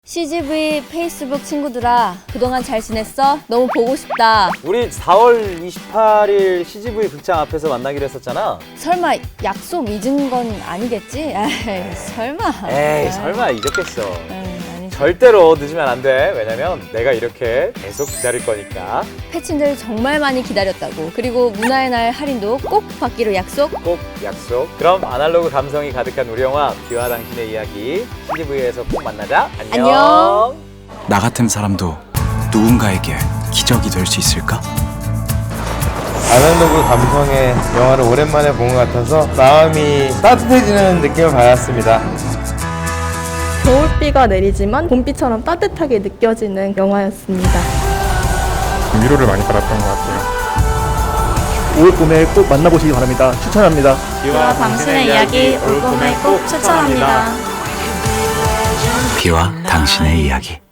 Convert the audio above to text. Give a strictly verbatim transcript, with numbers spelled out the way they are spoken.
씨지브이 페이스북 친구들아, 그동안 잘 지냈어? 너무 보고 싶다. 우리 사월 이십팔일 씨지브이 극장 앞에서 만나기로 했었잖아. 설마 약속 잊은 건 아니겠지? 에이, 설마. 에이, 설마 잊었겠어. 에이, 아니지. 절대로 늦으면 안 돼. 왜냐면 내가 이렇게 계속 기다릴 거니까. 패친들 정말 많이 기다렸다고. 그리고 문화의 날 할인도 꼭 받기로 약속. 꼭 약속. 그럼 아날로그 감성이 가득한 우리 영화 비와 당신의 이야기 씨지브이에서 꼭 만나자. 안녕. 안녕. 나 같은 사람도 누군가에게 기적이 될 수 있을까? 아날로그 감성의 영화를 오랜만에 본 것 같아서 마음이 따뜻해지는 느낌을 받았습니다. 겨울비가 내리지만 봄비처럼 따뜻하게 느껴지는 영화였습니다. 위로를 많이 받았던 것 같아요. 올 봄에 꼭 만나보시기 바랍니다. 추천합니다. 비와 당신의 이야기 올 봄에 꼭 추천합니다. 비와 당신의 이야기.